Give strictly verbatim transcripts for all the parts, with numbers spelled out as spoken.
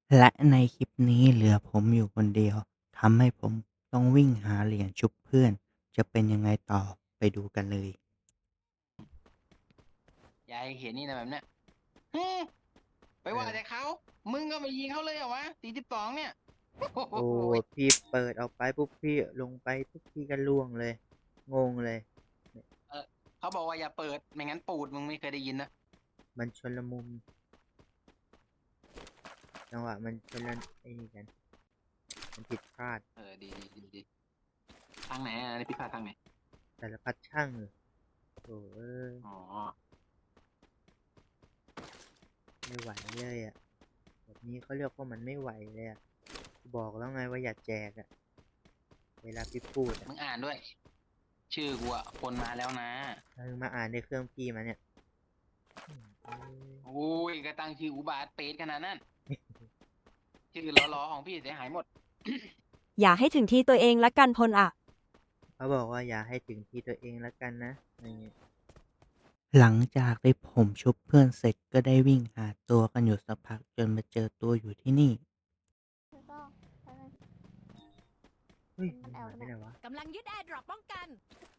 และในคลิปนี้เหลือผมอยู่คนเดียวทำให้ผมต้องวิ่งหาเหรียญชุบเพื่อนจะเป็นยังไงต่อไปดูกันเลยยายเห็นนี่นะแบบเนี้ยฮึไปเออว่าแต่เขา มึงก็ไปยิงเขาเลยเหรอวะสี่สิบสองเนี่ย โอ้โหโอ้พี่เปิดออกไปปุ๊บพี่ลงไปปุ๊บพี่ก็ล่วงเลยงงเลยเออเขาบอกว่าอย่าเปิด ไม่งั้นปูดมึงไม่เคยได้ยินนะมันชนละมุมจังหวะมันชนละไอ้นี่กันมันผิดพลาดเออ ดีดีดีดีทางไหนอ่ะในพิพาททางไหนแต่ละพัดช่างเลยโอ้เอ้ยอ๋อไม่ไหวเลยอ่ะแบบนี้เขาเรียกว่ามันไม่ไหวเลยอ่ะบอกแล้วไงว่าอย่าแจกอ่ะเวลาพี่พูดอ่ะมึงอ่านด้วย ชื่อกูอ่ะคนมาแล้วนะถ้ามึงมาอ่านในเครื่องพี่มาเนี่ยอืมเอ้ยโอ้ยก็ตั้งชื่ออุบาทเป็ดขนาดนั้น ชื่อล้อๆของพี่เสียหายหมดอย่าให้ถึงที่ตัวเองละกันพลอะเขาบอกว่าอย่าให้ถึงที่ตัวเองแล้วกันนะอะไรเงี้ยหลังจากที่ผมชุบเพื่อนเสร็จก็ได้วิ่งหาตัวกันอยู่สักพักจนมาเจอตัวอยู่ที่นี่แล้วก็อะไรเฮ้ยมัมันนแอหาลยไปเนี่ยไหนวะกำลังยึดแอร์ดรอปป้องกัน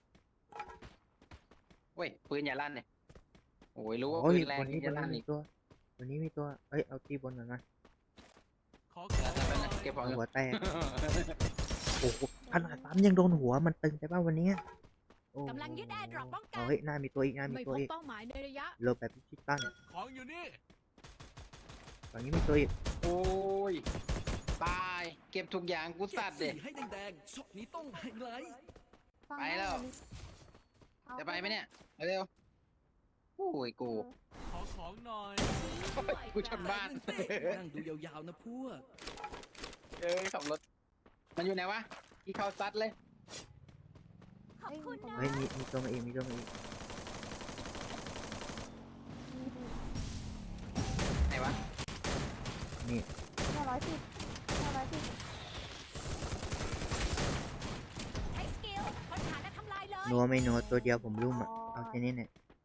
เว้ย ปืนอย่าลั่นเนี่ยโอ้ยรู้ว่าโอ้ยปืนแรงบนนี้บอย่าน ลั่นี้นมีอีกตัวบนนี้มีตัวเอ้ยเอาตีบนก่อนมาเออแต่เป็นเก็บของอยู่หัวแตกโอ้โหขนาดปั๊มยังโดนหัวมันตึงไปป่ะวันนี้โอ้กำลังยึดแอร์ดรอปป้องกันเอาเฮ้ยหน้ามีตัวอีกหน้ามีไม่ตัวพบอีกเป้าหมายในระยะโลแบบพิชิตันของอยู่นี่ฝั่งนี้มีตัวอีกโอ้ย ตาย เก็บทุกอย่างกูสัตว์เด็ให้แดงๆช็อตนี้ต้องไฮไลท์ฟังไปด้แล้วเอาจะไปไหมเนี่ย เร็วโอ้ยกูขอของหน่อยกูชนบ้านนั่งดูยาวๆนะพวกเอ้ยขับรถ มันอยู่ไหนวะที่เข้าซัดเลยขอบคุณนะเฮ้ยมีมีตัวมาอีกมีตัวมาอีกไหนวะนี่ห้าร้อยสิบห้าร้อยสิบใช้สกิลค้นหาและทำลายเลยนัวไม่นัวตัวเดียวผมรุ่มอ่ะเอาแค่นี้เนี่ย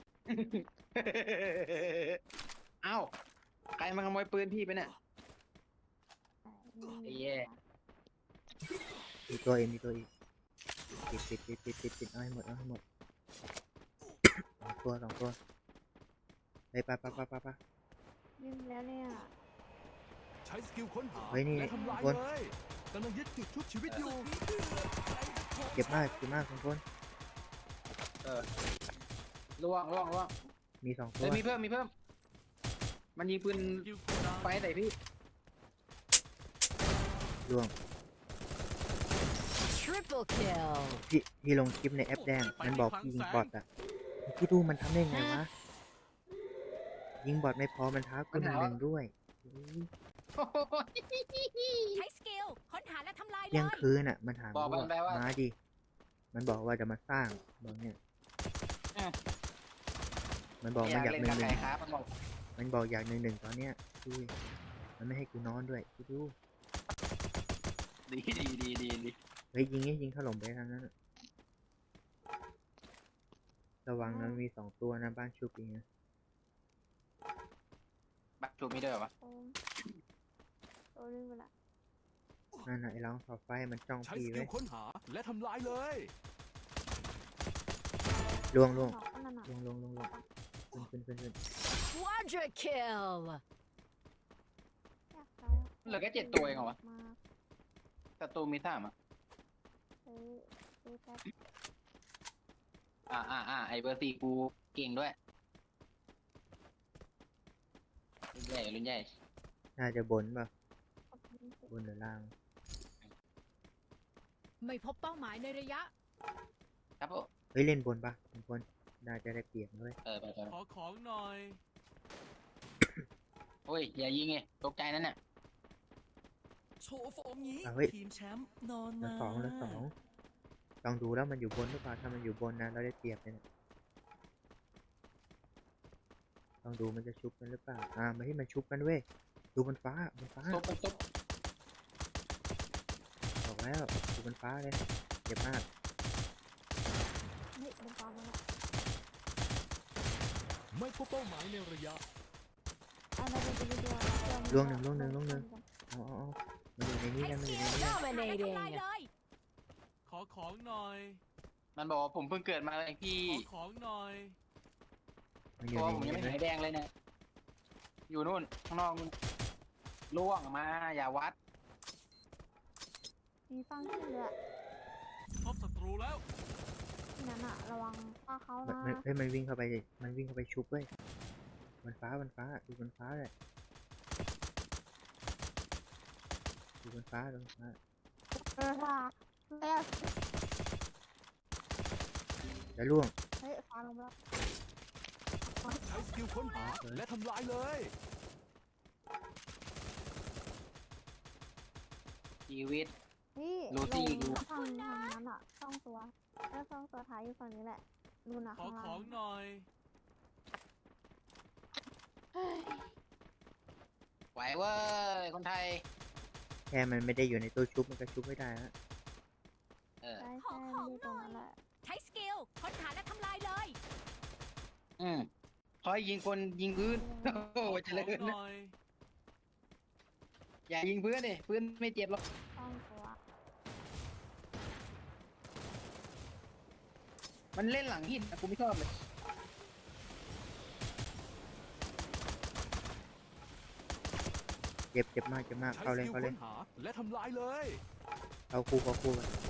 เอ้า ใครมาขโมยปืนพี่ไปเนี่ย ไอ้แย่มีตัวเองมีตัวอีกปิดปิดปิดปิดปิดปิดเอาให้หมดเอาให้หมดสองตัวสองตัวไปไปไปไปไปไปวิ่งแล้วเนี่ยใช้สกิลค้นหาเฮ้ยนี่และทำลายบนเลยกำลังยึดจุดชุบชีวิตอยู่เจ็บมากเจ็บมากสองคนเออล่วงล่วงล่วงมีสองตัเฮ้ยว มีเพิ่มมีเพิ่ม มันยิงปืนสกิลคูลดาวน์ไฟใส่พี่ล่วง Triple kill พี่พี่ลงคลิปในแอปแดงมันบอกพี่ยิงบอทอ่ะพี่ดูมันทำได้ไงวะยิงบอทไม่พอมันท้ากูหนึ่งหนึ่งด้วยอุ๊ยโอ้โหใช้สกิลค้นหาและทำลายเลเที่ยงยคืนอ่ะมันถามบอกว่ามันไปว่ามาดิมันบอกว่าจะมาสร้างบอกเนี่ยอ่ะมันบอกอมันยากอยากเล่นหนึ่กังบหนึ่ใครงงครับมันบอกมันบอกอยากหนึ่งหนึ่งตอนเนี้ยดูดิมันไม่ให้กูนอนด้วยพี่ดูดีดีดีดีดีเฮ้ยยิงนี่ยิงถล่มไปทางนั้นอะระวังนะมันมีสองตัวนะบ้านชุบเองนะบักชูมีด้วยเหรอวะโอ้มตัวนึงไปละนั่นน่ะไอ้ร้องขอบไฟมันจ้องใช้พี่สกิไว้ลค้นหาและทำลายเลยล่วงล่วงหนอกก็นั่นน่ะล่วงล่วงล่วงล่วงขึ้นขึ้นขึ้นขึ้น Quadra kill อยากตายะเหลือแค่เจ็ดตัวเองเหรอวะมากศัตรูมีสามอ่ะซื้อซื้อแป๊บอ่าอ่าอ่าไอเบอร์สี่กูเก่งด้วยรุ่นใหญ่รุ่นใหญ่น่าจะบนป่ะขอบคุณสิบนหรือล่างไม่พบเป้าหมายในระยะครับผมเฮ้ยเล่นบนป่ะบางคนน่าจะได้เปรียบด้วยเออไปไปขอของหน่อยโอ้ยอย่ายิงไงตกใจนั่นน่ะโชว์ฟอร์มนี้อ่ะเฮ้ยทีมแชมป์นอนแล้วมาสองแล้วสองลองดูแล้วมันอยู่บนหรือเปล่าถ้ามันอยู่บนนะเราได้เปรียบเลยนะลองดูมันจะชุบกันหรือเปล่าอ่ามาที่มันชุบกันเว้ยดูบนฟ้าบนฟ้าซุบซุบบอกแล้วดูบนฟ้าเลยเจ็บมากเฮ้ยบนฟ้ามาละไม่พบเป้าหมายในระยะอันนั้นเป็นตัวตัวล่วงหนึ่งล่วงหนึ่งล่วงหนึ่งเอาเอาเอามันอยู่ในนี้ใช้กันสมันอกิยู่ลในนี้ค้กันนหาและทำลายเลยขอของหน่อยมันบอกว่าผมเพิ่งเกิดมาเองพี่ขอของหน่อยมันอยู่ตัวในผมนี้ยังไม่เลหาย ยแดงเลยเนี่ยอยู่นู่นข้างนอกนู่นล่วงมาอย่าวัดมีฟังขึ้นเลยอะพบศัตรูแล้วที่นั้นอะระวังว่าเขามันนะมันเฮ้ยมันวิ่งเข้าไปดิมันวิ่งเข้าไปชุบเว้ยมันฟ้ามันฟ้าดูมันฟ้าเลยดูมันฟ้าดูมันฟ้าเออค่ะเอ้ยแล้วล่วงเฮ้ยฟ้าลงไปแล้วใช้สกิลค้นหาและทำลายเลยชีวิตนี่โรลซี่งดูทางทางนั้นอะช่องตัวแล้วช่องตัวท้ายอยู่ฝั่งนี้แหละดูนะขอข้างขล่าอง งหน่อยไหวเว้ยคนไทยแค่มันไม่ได้อยู่ในตัวชุบมันก็ชุบไม่ได้ฮะเออใช่ใช่มันอยู่ตรงนั้นแหละใช้สกิลค้นหาและทำลายเลยอืมคอยยิงคนยิงพื้น โอ้ขโหอเจขริองญหนะน่อยอย่ายิงพื้นดิพื้นไม่เจ็บหรอกช่องตัวมันเล่นหลังหินนะกูไม่ชอบเลยเจ็บเจ็บมากเจ็บมากใช้เข้าสเลยกิลเข้าเลค้ยนหาและทำลายเลยเข้าคู่เข้าคู่กัน